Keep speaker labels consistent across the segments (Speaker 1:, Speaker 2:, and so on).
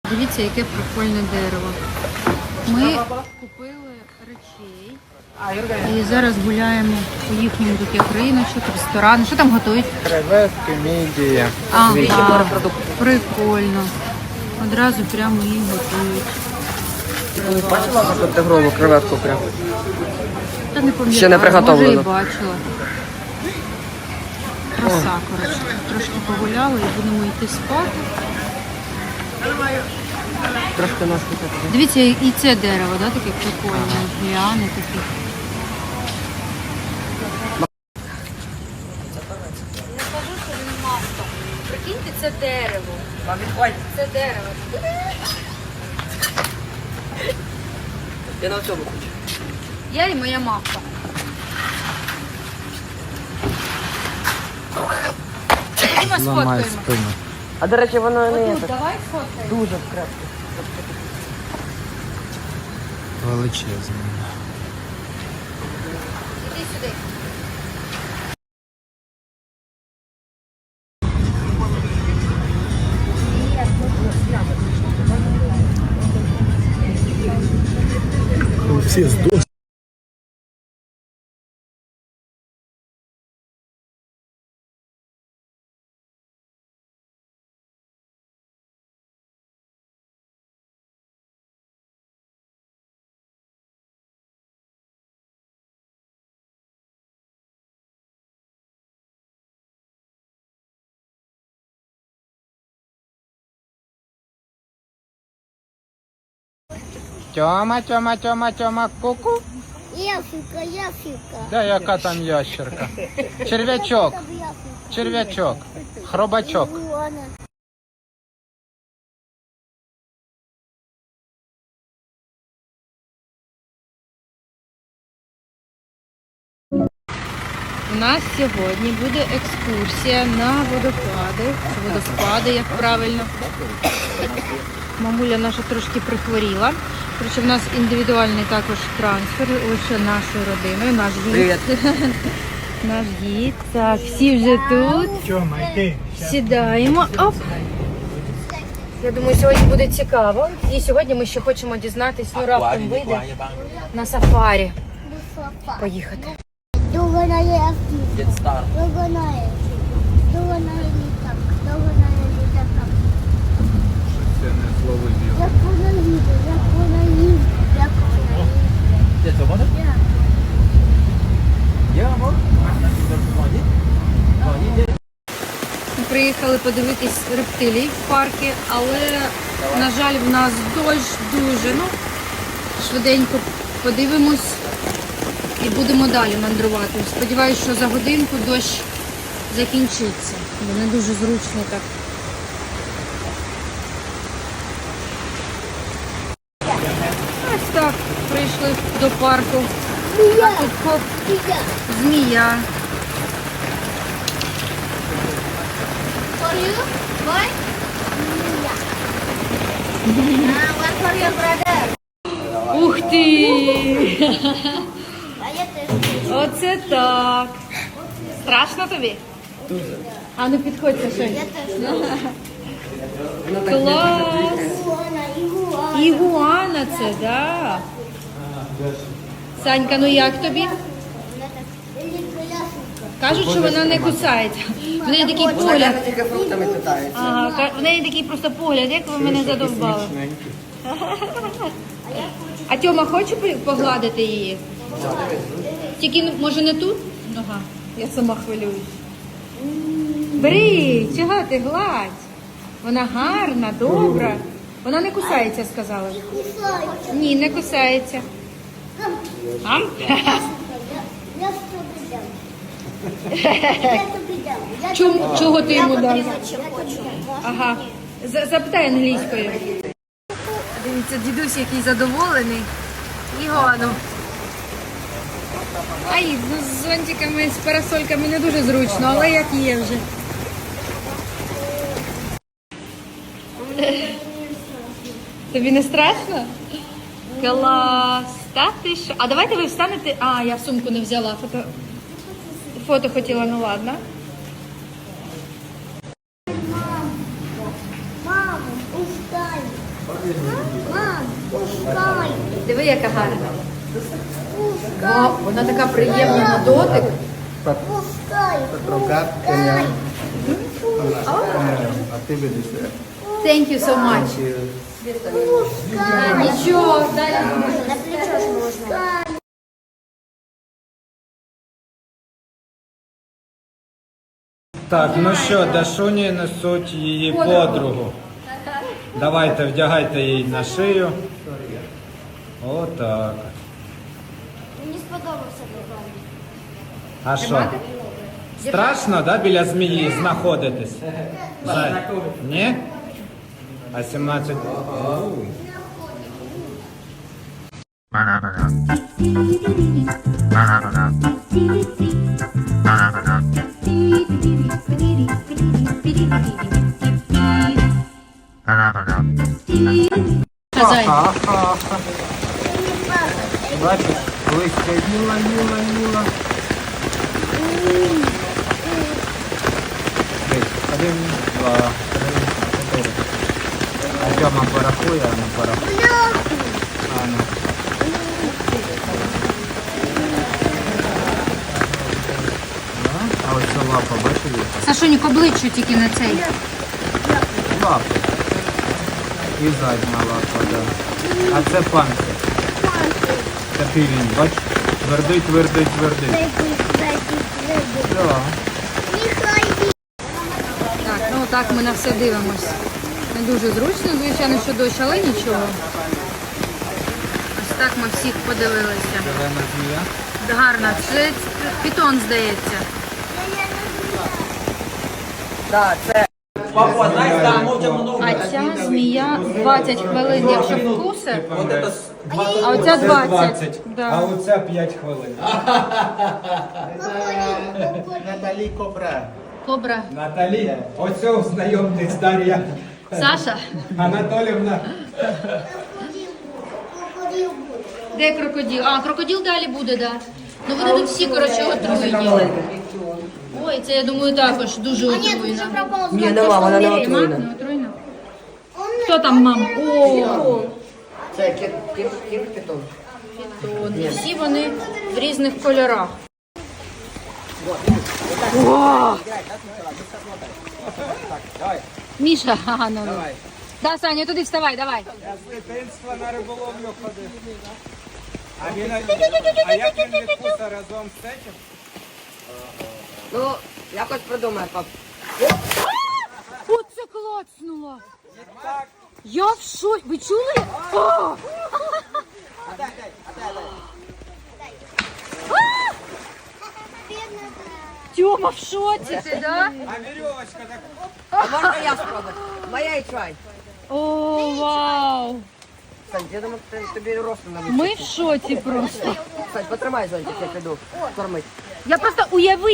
Speaker 1: Дивіться, яке прикольне дерево. Ми купили речей і зараз гуляємо по їхньому тут як риночок, ресторан. Що там готують?
Speaker 2: Креветки, мідії.
Speaker 1: Ага, прикольно. Одразу прямо їх готують.
Speaker 2: Бачила інтегрову креветку прямо?
Speaker 1: Та не пам'ятаю,
Speaker 2: Ще не приготовлено.
Speaker 1: може і бачила. Краса, коротше. Трошки погуляли і будемо йти спати.
Speaker 2: Трошки ножки такі.
Speaker 1: Дивіться, і це дерево, да, таке прикольне, ліани такі. Я кажу, що він маска. Прикиньте, це дерево. Це дерево.
Speaker 2: Я на цьому хочу.
Speaker 1: Я і моя мавка. Ми сфоткаємо.
Speaker 2: А до речі, воно не
Speaker 1: Отут, давай сфоткаємо.
Speaker 2: дуже крепко.
Speaker 3: Величезно.
Speaker 1: Іди сюди.
Speaker 3: Всі здохли.
Speaker 2: Тьома, ку-ку.
Speaker 4: Яфіка.
Speaker 2: Да, яка там ящерка? Черв'ячок, черв'ячок, хробачок.
Speaker 1: У нас сьогодні буде екскурсія на водопади. Водоспади, як правильно. Мамуля наша трошки прихворіла. Короче, в нас індивідуальний також трансфер лише нашою родиною. Наш гід. Наш гід. Так, всі вже тут. Сідаємо. Оп. Я думаю, сьогодні буде цікаво. І сьогодні ми ще хочемо дізнатись, ну раптом вийде на сафарі поїхати.
Speaker 4: Довго на літак. Довго на літак.
Speaker 2: Це не зловив.
Speaker 4: Як вона їде, як вона їде, як вона їде.
Speaker 2: Де це воно? Я можу?
Speaker 1: Ми приїхали подивитись рептилій в парки, але, на жаль, в нас дощ дуже. Ну, швиденько подивимось і будемо далі мандрувати. Сподіваюсь, що за годинку дощ закінчиться. Бо не дуже зручно так. Ось так, прийшли до парку. А тут хоп, змія.
Speaker 4: For you? Why? One for your brother.
Speaker 1: Ух ти!
Speaker 4: А я теж.
Speaker 1: Оце так. Страшно тобі? Дуже. А ну підходьте ще.
Speaker 4: Я теж.
Speaker 1: Клас!
Speaker 4: Ігуана.
Speaker 1: Ігуана це, да. Санька, ну як тобі?
Speaker 4: Вона так ляшенька.
Speaker 1: Кажуть, що вона не кусається. В неї такий погляд.
Speaker 2: Тільки фруктами питається.
Speaker 1: Ага, в неї такий просто погляд, як ви мене задовбали. А Тьома хоче погладити її? Тільки, ну, може, не тут? Ага, я сама хвилююсь. Бери, чого ти гладь? Вона гарна, добра. Вона не кусається, сказала.
Speaker 4: Кусається.
Speaker 1: Ні, не кусається. Ам?
Speaker 4: Я тобі дам. Я тобі дам.
Speaker 1: Чого ти йому дав?
Speaker 4: Я тобі дам.
Speaker 1: Ага. Запитай англійською. Дивіться, дідусь який задоволений. Ігону. Ай, ну з зонтиками, з парасольками не дуже зручно, але як є вже. Тобі не страшно? Клас. Та ти що? А давайте ви встанете. А, я сумку не взяла. Фото хотіла, ну ладно.
Speaker 4: Мамо, устань. Мам, пускай.
Speaker 1: Диви, яка гарна.
Speaker 4: Пускай.
Speaker 1: О, вона така приємна на дотик.
Speaker 4: Пускай.
Speaker 2: Пускай.
Speaker 1: Thank you so much. Нічого, далі.
Speaker 4: На плечо ж можна.
Speaker 2: Так, ну що, Дашуні несуть її подругу. Давайте, вдягайте її на шию. Отак.
Speaker 4: Мені сподобався програм.
Speaker 2: А що? Страшно, да, біля змії знаходитись? Ні? А 17...
Speaker 1: Хазяїн.
Speaker 2: Бачиш, листя їла. Один, два, три, чотири. А Тьома порахує, а не порахує. А, ну. А ось ця лапа, бачили?
Speaker 1: Сашунік, обличчю тільки на цей.
Speaker 2: Лапа. І задня лапа, да. А це панцир. Такий він, бач? Твердий. Да.
Speaker 1: Так, ну так ми на все дивимось. Не дуже зручно, звичайно, що дощ, але нічого. Ось так ми всіх подивилися.
Speaker 2: Зелена змія.
Speaker 1: Гарно, це пітон, здається. А ця змія 20 хвилин, якщо вкуси, а оця 20.
Speaker 2: А
Speaker 1: Да.
Speaker 2: оце 5 хвилин.
Speaker 3: Наталі Кобра.
Speaker 1: Кобра.
Speaker 2: Наталі, оце знайомтесь Дар'я
Speaker 1: Саша,
Speaker 2: Анатолівна.
Speaker 1: де крокодил? А, крокодил далі буде, так. Да. Ну вони тут всі, коротше, отруєні. Ой, це, я думаю, також дуже отруєно.
Speaker 5: Ні, нема, вона не
Speaker 1: Нема?
Speaker 5: отруєна.
Speaker 1: Не отруєно? Хто там, мам? О,
Speaker 5: Це кінг-питон.
Speaker 1: питон. Всі вони в різних кольорах. О! Міша, ага, ну. Да, Саня, туди вставай, давай.
Speaker 2: Я з дитинства на риболовлю ходив. А як він відкуса разом з цим?
Speaker 5: Ну, якось придумай, пап.
Speaker 1: Оце клацнуло. Я в шоці. Ви чули? О! Тьома, в шоці ти, да?
Speaker 2: А вірьовочка так.
Speaker 5: А можна я спробую? Моя і чай.
Speaker 1: О, вау!
Speaker 5: Сань, я думаю, тобі ростом на
Speaker 1: Ми в шоці просто.
Speaker 5: Сань, потримай зонтик, я піду кормить.
Speaker 1: Я просто уяви.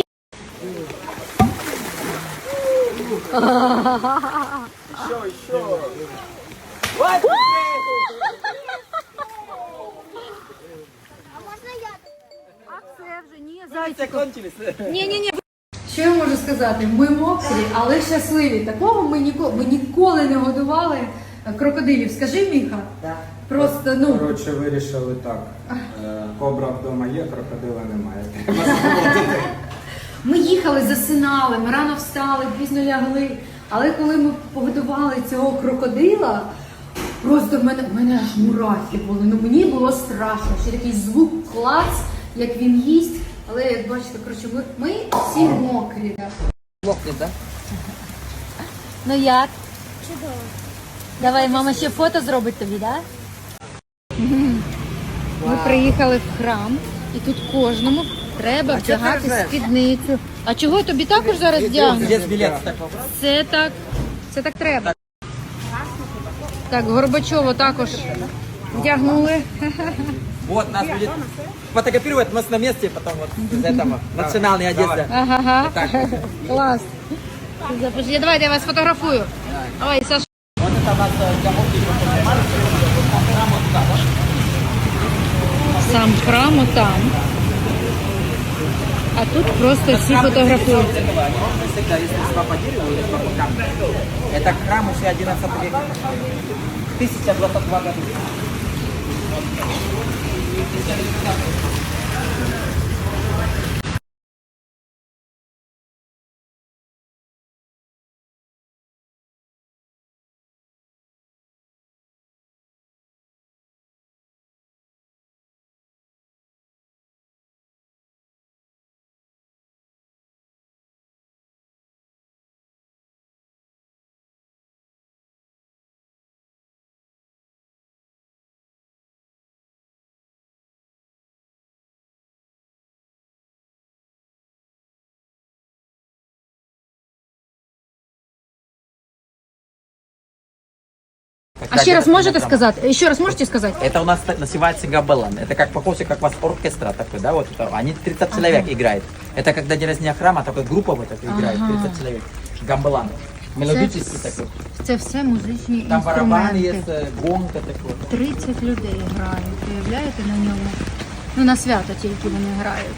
Speaker 1: А це вже ні, зайчику. Ні. Що я можу сказати? Ми мокрі, але щасливі. Такого ми ніколи не годували крокодилів. Скажи, Міха?
Speaker 5: Так.
Speaker 1: Просто, ну,
Speaker 2: Коротше, вирішили так. Кобра вдома є, крокодила немає. Треба заводити.
Speaker 1: ми їхали, засинали, ми рано встали, пізно лягли. Але коли ми погодували цього крокодила, просто в мене аж мурахи були. Ну мені було страшно. Ще такий звук клац, як він їсть. Але як бачите, коротше, ми всі мокрі.
Speaker 5: Мокнет, так?
Speaker 1: Ну як?
Speaker 4: Чудово.
Speaker 1: Давай, мама ще фото зробить тобі, так? Ми приїхали в храм, і тут кожному треба вдягати спідницю. А чого тобі також зараз вдягнути? Це так треба. Так, Горбачова також вдягнули.
Speaker 6: Вот, нас будет фотографировать, мы на месте потом вот из этого, национальной одежды.
Speaker 1: Ага, клас. Запиши. Давайте я вас фотографую. Ой, Саша.
Speaker 6: Вот это у нас
Speaker 1: Сам храм отам. А тут просто всі фотографують.
Speaker 6: всегда, если по дереву или по камню. Это храм еще 11 века. 1022 года.
Speaker 1: А ще раз можете сказати? Ще раз можете сказати?
Speaker 6: Это у нас называется габелан. Это как похоже, как у вас оркестра такой, да, вот это. Они 30 человек играет. Это когда день рождения храма, такой группа вот эта играет, 30 человек. Гамбелан. Мелодический такой.
Speaker 1: Це все музичні
Speaker 6: Там барабан
Speaker 1: інструменти.
Speaker 6: есть, гонка такой.
Speaker 1: 30 людей грають, уявляєте, на ньому? Ну, на свято тільки вони грають.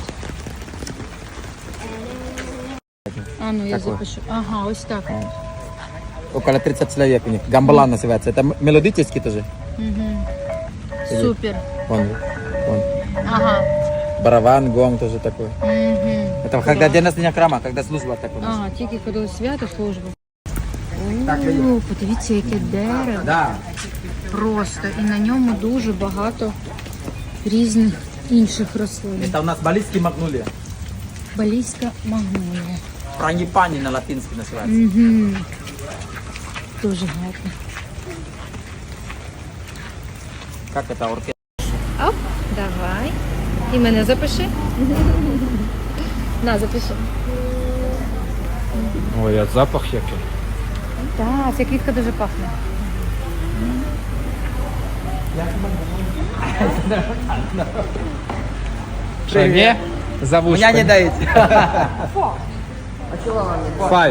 Speaker 1: А, ну я
Speaker 6: Такой.
Speaker 1: запишу. Ага, ось так.
Speaker 6: Около 30 человек у них. Гамбелан называется. Это мелодический тоже.
Speaker 1: Супер.
Speaker 6: Вон.
Speaker 1: Ага.
Speaker 6: Барабан, гонг тоже такой.
Speaker 1: Угу.
Speaker 6: Это когда день рождения храма, когда служба такой.
Speaker 1: Ага, тільки коли свято, служба.
Speaker 6: Так,
Speaker 1: О, подивіться, яке дерево.
Speaker 6: Да.
Speaker 1: Просто. І на ньому дуже багато різних інших рослин.
Speaker 6: Это у нас балийский магнолия.
Speaker 1: Балійська магнолія.
Speaker 6: Франгипани на латинский называется.
Speaker 1: Угу. Дуже гарно.
Speaker 6: Как это оркестр?
Speaker 1: Оп, давай. І мене запиши. На, запиши.
Speaker 2: Ой, а запах який.
Speaker 1: Так, ця квітка дуже пахне.
Speaker 2: Що, ні? За вушками.
Speaker 6: Меня не даете.
Speaker 2: Five.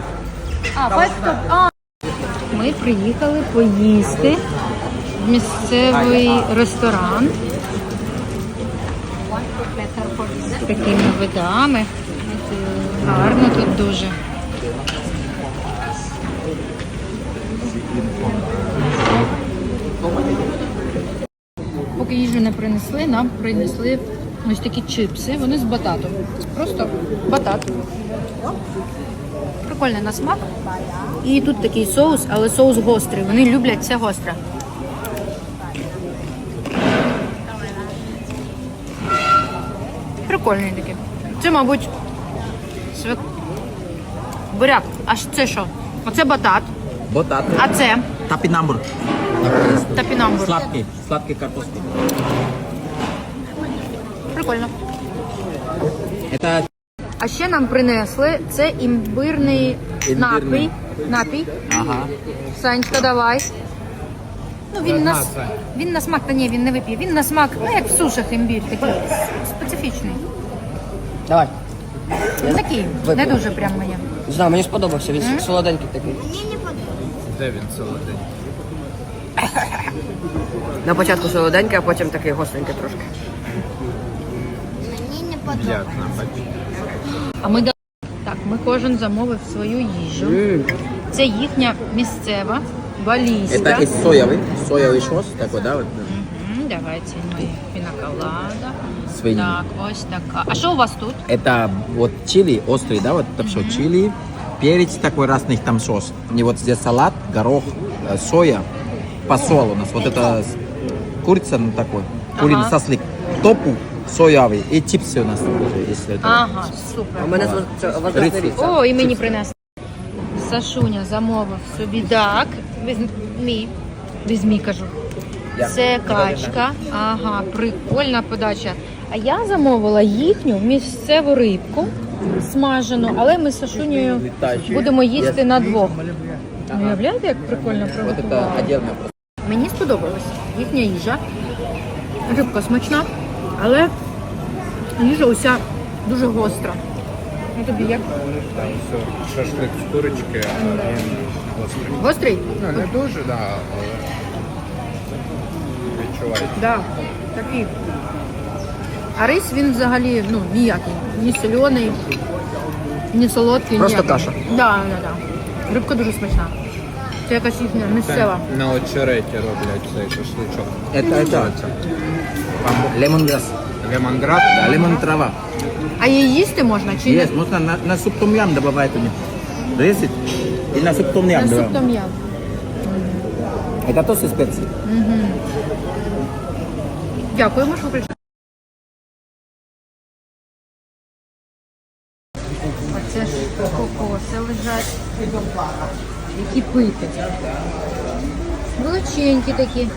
Speaker 1: Ми приїхали поїсти в місцевий ресторан з такими видами. Гарно тут дуже. Поки їжу не принесли, нам принесли ось такі чипси. Вони з бататом. Просто батат. Прикольний на смак. І тут такий соус, але соус гострий. Вони люблять це гостре. Прикольний такий. Це, мабуть, буряк. А це що? Оце батат.
Speaker 6: Ботат.
Speaker 1: А це
Speaker 6: Тапинамбур.
Speaker 1: топінамбур.
Speaker 6: Сладкий картошки.
Speaker 1: Прикольно.
Speaker 6: Это
Speaker 1: А ще нам принесли це імбирний
Speaker 6: Імбирний.
Speaker 1: напій.
Speaker 6: ага.
Speaker 1: Санечка, давай. Ну, він на смак, та ні, він не вип'є. Він на смак, ну як в сушах імбір, такий специфічний.
Speaker 5: Давай.
Speaker 1: Такий, не дуже прям моє.
Speaker 5: Не знаю, мені сподобався, він солоденький такий.
Speaker 2: Де він солодий?
Speaker 5: На початку солоденький, а потім такий гостренький трошки.
Speaker 4: Мені не подобається.
Speaker 2: Як нам бачиш?
Speaker 1: А ми так, ми кожен замовив свою їжу. Це їхня місцева, балійська.
Speaker 6: Это из соевый шос такой, да? Вот.
Speaker 1: Давайте ми пінаколада.
Speaker 6: Свині.
Speaker 1: Так, ось така. А що у вас тут?
Speaker 6: Это вот чили острый, да, вот там что, чили, перец такой разных там сос. И вот здесь салат, горох, соя, посол у нас. Вот это курица ну, такой, куриный сослик, топу соевый и чипсы у нас тоже, если это.
Speaker 1: Ага, супер.
Speaker 5: У мене воздушний ріс.
Speaker 1: О, і мені принесли. Сашуня замовив собі дак. Візьмі, кажу. Це качка. Ага, прикольна подача. А я замовила їхню місцеву рибку смажену, але ми з Сашунею будемо їсти на двох. Уявляєте, як прикольно
Speaker 6: Вот это
Speaker 1: приготували?
Speaker 6: отдельно.
Speaker 1: Мені сподобалась їхня їжа. Рибка смачна, але їжа уся дуже гостра. Ну тобі як?
Speaker 7: Там все, шашлик з курочки, а він гострий.
Speaker 1: Гострий?
Speaker 7: Ну, не дуже, да, але відчувається.
Speaker 1: Да, такий. А рис він взагалі ну, ніякий. Ні соляний, ні солодкий,
Speaker 5: Просто
Speaker 1: ніякий.
Speaker 5: каша.
Speaker 1: Да. Рибка дуже смачна. Це якась їхня місцева.
Speaker 7: На очереті роблять цей шашличок.
Speaker 6: Это лемонграсс.
Speaker 7: Лемонград.
Speaker 6: Да, лемон трава.
Speaker 1: А її їсти можна чи ні?
Speaker 6: Есть, можно на суп том ям добавить у них. Резать и на суп том ям
Speaker 1: На суп
Speaker 6: добавить.
Speaker 1: том ям.
Speaker 6: Это тоже специи.
Speaker 1: Дякуємо, що прийшли. Оце ж кокоси лежать. Які пити. Величенькі такі.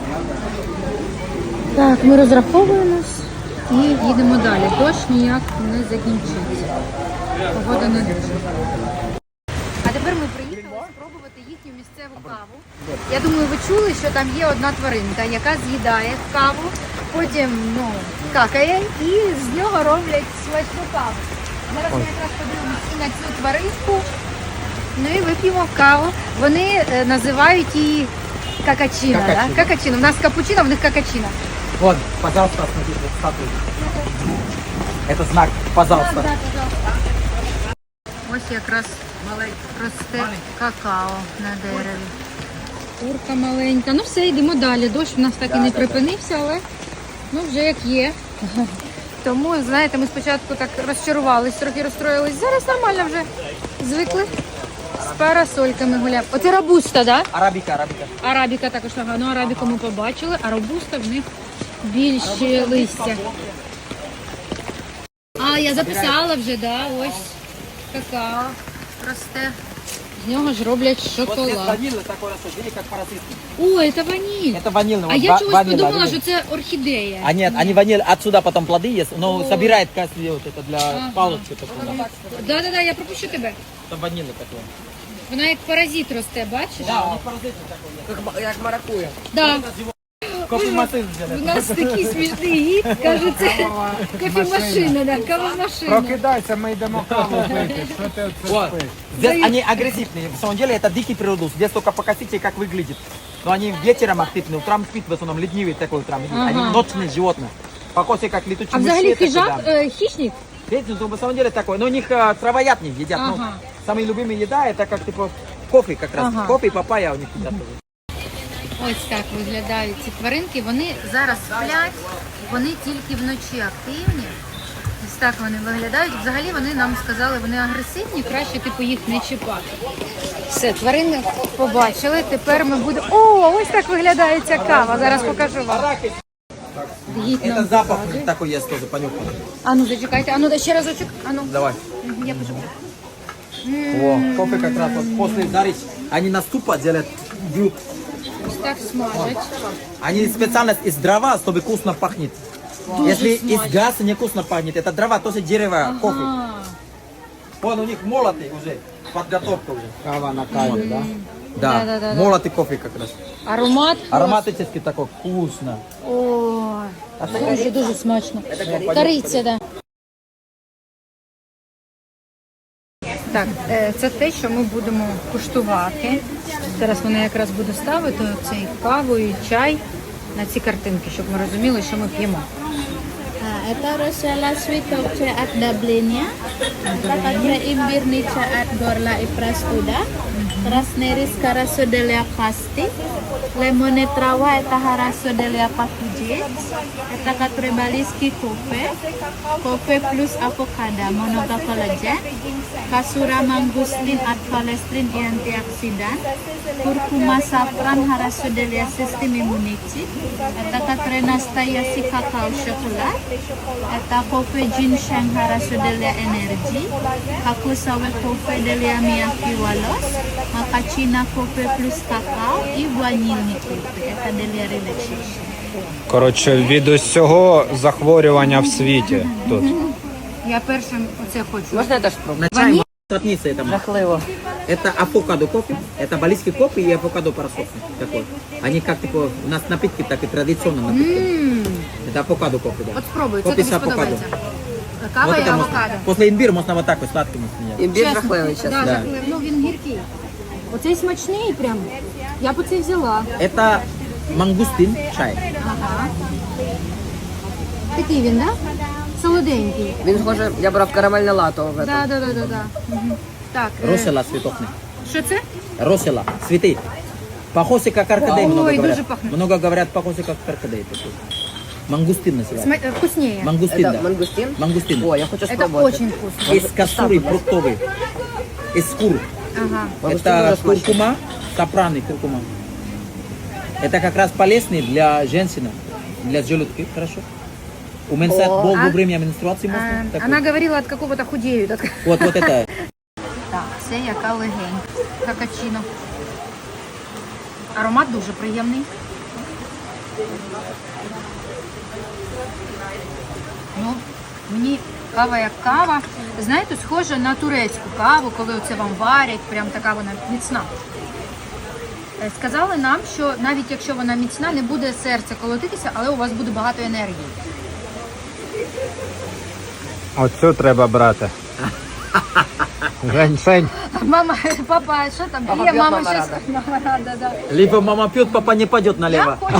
Speaker 1: Так, ми розраховуємось і їдемо далі. Дощ ніяк не закінчиться. Погода не дуже. А тепер ми приїхали спробувати їхню місцеву каву. Я думаю, ви чули, що там є одна тваринка, яка з'їдає каву, потім какає і з нього роблять смачну каву. Зараз ми якраз подивимося і на цю тваринку, ну і вип'ємо каву. Вони називають її какачино. Да? Какачино. У нас капучино, в них какачино.
Speaker 6: Вот, пожалуйста, смотрите, вот статуя. Это знак, пожалуйста.
Speaker 1: Ось якраз росте какао на дереві. Курка маленька. Ну все, йдемо далі. Дощ у нас так і не припинився, але вже як є. Тому, знаєте, ми спочатку так розчарувались, трохи розстроїлись. Зараз нормально вже звикли. З парасольками гуляємо. Оце робуста, так? Да?
Speaker 6: Арабика.
Speaker 1: Арабіка також ага. Ну, арабіку ми побачили, а робуста в них більше листя. А, я записала вже, да, ось какао росте. З нього ж роблять
Speaker 6: Вот здесь
Speaker 1: шоколад.
Speaker 6: ванильный такой растет, видите, как паразит.
Speaker 1: Ой, це ваніль.
Speaker 6: Это ванильный.
Speaker 1: А
Speaker 6: вот
Speaker 1: я чогось
Speaker 6: ванильный,
Speaker 1: подумала,
Speaker 6: видите?
Speaker 1: що це орхідея.
Speaker 6: А нет, они ваниль, отсюда потом плоды есть, но собирает каждый вот это для палочки такой. Да.
Speaker 1: Да, я пропущу тебе.
Speaker 6: Это ванильный такой.
Speaker 1: Вона як паразит росте, бачиш?
Speaker 6: Да, у них паразит такой.
Speaker 5: Як маракуя.
Speaker 1: Да.
Speaker 6: Кофемашин
Speaker 1: У
Speaker 6: сделали.
Speaker 1: нас такий смішний гід, каже, це кофемашина, да, кавомашина.
Speaker 7: Прокидайся, ми йдемо каву пити. Що ти оце
Speaker 6: Вот.
Speaker 7: спиш?
Speaker 6: Здесь они агрессивные. В самом деле это дикий природус. Здесь только покосите, как выглядит. Но они вечером активны, утром спит, в основном ленивые такой утром. Они ночные животные. Покоси как летучие
Speaker 1: А
Speaker 6: мыши.
Speaker 1: взагалі
Speaker 6: такой,
Speaker 1: хижак,
Speaker 6: да.
Speaker 1: хищник?
Speaker 6: Видите, ну, в самом деле такой. Но у них травоядные едят. Ну,
Speaker 1: Ага.
Speaker 6: самая любимая еда это как типа кофе как раз.
Speaker 1: Ага.
Speaker 6: Кофе и папайя у них едят тоже.
Speaker 1: Ось так виглядають ці тваринки. Вони зараз сплять, вони тільки вночі активні. Ось так вони виглядають. Взагалі вони нам сказали, вони агресивні, краще типу їх не чіпати. Все, тварини побачили. Тепер ми будемо. О, ось так виглядає ця кава. Зараз покажу вам. Гід нам
Speaker 6: Это запах у
Speaker 1: показує.
Speaker 6: них такой есть тоже, понюхай.
Speaker 1: А ну зачекайте, а ну ще разочок. А ну.
Speaker 6: Давай.
Speaker 1: Я пишу.
Speaker 6: О, кофе как раз вот после зарить. Они на ступа делают бьют.
Speaker 1: Ось так смажать.
Speaker 6: Они специально из дрова, чтобы вкусно пахнет. Если из газа не вкусно пахнет, это дрова, тоже дерево, кофе.
Speaker 1: А,
Speaker 6: Вон у них молотый уже, подготовка уже.
Speaker 7: Кава на каві, да?
Speaker 6: Да,
Speaker 1: Да-да-да.
Speaker 6: молотый кофе как раз.
Speaker 1: аромат.
Speaker 6: Ароматический такой, вкусно.
Speaker 1: Ой, дуже смачно. Кориця, да. Так, це те, що ми будемо куштувати. Зараз вона якраз буде ставити цей каву і чай на ці картинки, щоб ми розуміли, що ми п'ємо.
Speaker 4: Это Rosella sweet tokce at dablinnya. Kakaknya imbir nica at gorla ipras uda. Rasneris karasodelia kasti. Lemone trawa eta harasodelia pakuji. Eta katrebaliski kofe. Kofe plus avocado monoga collagen. Kasura mangustin at kolestrin antioksidan. Kurkuma safran harasodelia system immunity. Eta katrenastayasi kakao coklat. Eta kofe ginseng harasodelia energy. Kaku sawe kofe delia miyaki walos. Makachina kofe plus kakao і ванільні кофе. Eta delia relaxation.
Speaker 2: Коротше, від усього захворювання в світі тут.
Speaker 1: Я першим оце хочу.
Speaker 5: Можна я теж спробую?
Speaker 6: На чай можно сотниться этому.
Speaker 5: Жахливо.
Speaker 6: Это авокадо кофе, это балийский кофе и авокадо парасоль такой. Они как типа, у нас напитки так и традиционно напитки. Это авокадо кофе, да.
Speaker 1: От спробуй, це
Speaker 6: Кофе
Speaker 1: тобі
Speaker 6: с авокадо.
Speaker 1: сподобається. Кава
Speaker 6: Вот
Speaker 1: і
Speaker 6: это можно.
Speaker 1: авокадо.
Speaker 6: После имбиря можно вот так вот сладким сменять.
Speaker 5: Імбір жахливий, чесно.
Speaker 1: Да,
Speaker 6: Да.
Speaker 1: жахливий. Ну він гіркий. Оцей смачний прям. Я б оцей взяла.
Speaker 6: Это мангустин чай.
Speaker 1: Ага. Такий він, да? Солоденький.
Speaker 5: Він схоже, я брав карамельне лато в этом.
Speaker 1: Да. Мгм. Так.
Speaker 6: Росела цветочный.
Speaker 1: Що це?
Speaker 6: Росела, цветы. Похоже, как орхидей,
Speaker 1: Ой,
Speaker 6: много
Speaker 1: дуже
Speaker 6: говорят.
Speaker 1: пахнет.
Speaker 6: Много говорят, похоже, как орхидей. такой. Мангустин называется.
Speaker 1: Вкуснее.
Speaker 6: Мангустин,
Speaker 5: Это
Speaker 6: да.
Speaker 5: мангустин?
Speaker 6: Мангустин.
Speaker 5: О, я хочу
Speaker 1: Это
Speaker 5: спробовать.
Speaker 1: очень вкусно.
Speaker 6: Из косуры фруктовый. Из кур.
Speaker 1: Ага.
Speaker 5: Мангустин
Speaker 6: Это
Speaker 5: тоже смачный.
Speaker 6: куркума, капраны, куркума. Это как раз полезный для женщины, для желудки, хорошо. Уменьшает
Speaker 5: О,
Speaker 6: боль
Speaker 1: а?
Speaker 6: во время менструации можно. такой.
Speaker 1: Она говорила, от какого-то худеют.
Speaker 6: Вот это.
Speaker 1: Так, це яка легень. Капучино. Аромат дуже приємний. Ну, мені кава як кава. Знаєте, схожа на турецьку каву, коли оце вам варять, прям така вона міцна. Сказали нам, що навіть якщо вона міцна, не буде серце колотитися, але у вас буде багато енергії.
Speaker 2: Оцю треба брати. Женьшень.
Speaker 1: Мама, папа, що там?
Speaker 5: Папа
Speaker 1: Є,
Speaker 5: п'є,
Speaker 1: мама
Speaker 5: мама
Speaker 1: щось.
Speaker 5: рада.
Speaker 1: Мама рада, да.
Speaker 6: Либо мама пьет, папа не пойдет
Speaker 1: Я
Speaker 6: налево.
Speaker 1: хочу.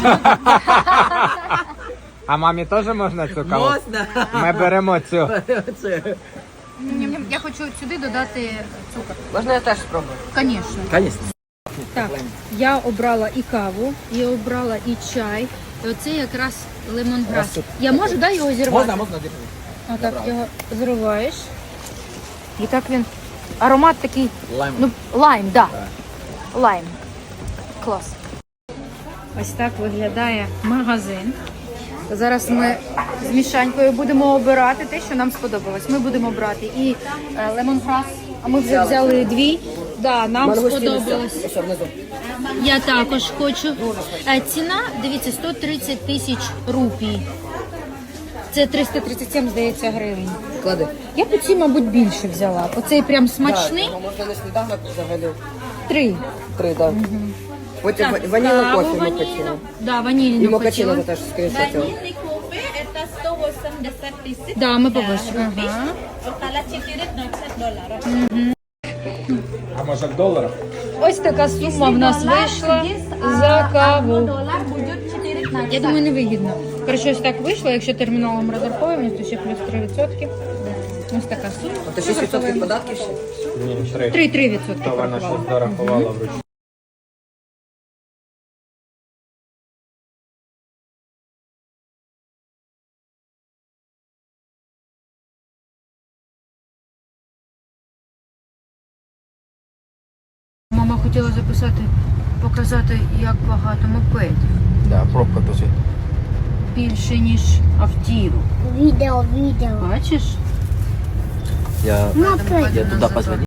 Speaker 2: А мамі теж можна цю каву?
Speaker 6: Можно.
Speaker 2: Ми беремо цю.
Speaker 1: Ням-ням. Я хочу сюди додати цукор.
Speaker 5: Можна я теж спробую?
Speaker 1: Звісно.
Speaker 6: Конечно.
Speaker 1: Так, я обрала і каву, і обрала і чай. І оце якраз лемонграс. Я можу, да, його зірвати?
Speaker 6: Можно.
Speaker 1: Отак його зриваєш. І так він. Аромат такий.
Speaker 6: Лайм.
Speaker 1: Ну, лайм, так. Да. Лайм. Клас. Ось так виглядає магазин. Зараз ми з Мішанькою будемо обирати те, що нам сподобалось. Ми будемо брати і лемонграс, а ми вже взяли дві. Да, нам сподобалось.
Speaker 5: Все, внизу.
Speaker 1: Я також хочу. Ціна, дивіться, 130 тисяч рупій. Це 337, здається, гривень.
Speaker 5: Клади.
Speaker 1: Я б ці, мабуть, більше взяла. Оцей прям смачний.
Speaker 5: Да, можна на сніданок взагалі.
Speaker 1: 3.
Speaker 5: 3, так. Потім ванільний кофе ми хотіли.
Speaker 1: Да,
Speaker 5: І
Speaker 1: ванільну
Speaker 5: мокачино
Speaker 1: хотіла.
Speaker 5: ти теж скріншотила.
Speaker 8: Vanilli kopi это 180
Speaker 1: Да, ми побачимо. Ага.
Speaker 8: Кала 4 $90.
Speaker 2: А може в доларах?
Speaker 1: Ось така сума в нас вийшла за каву.
Speaker 8: $1 будет 4
Speaker 1: Я думаю, невигідно. Коротше, ось так вийшло, якщо терміналом розраховуємо, то ще плюс 3%. Ось така сума.
Speaker 5: Ти 6% податків ще?
Speaker 2: Ні, 3.
Speaker 1: 3%.
Speaker 2: То вона щось дорахувала вручну.
Speaker 1: Мама хотіла записати, показати, як багато мопедів.
Speaker 6: Да, пробка тоже.
Speaker 1: Більше, ніж автівок.
Speaker 4: Відео.
Speaker 1: Бачиш?
Speaker 6: Я
Speaker 4: Мопед.
Speaker 6: туда позвонил.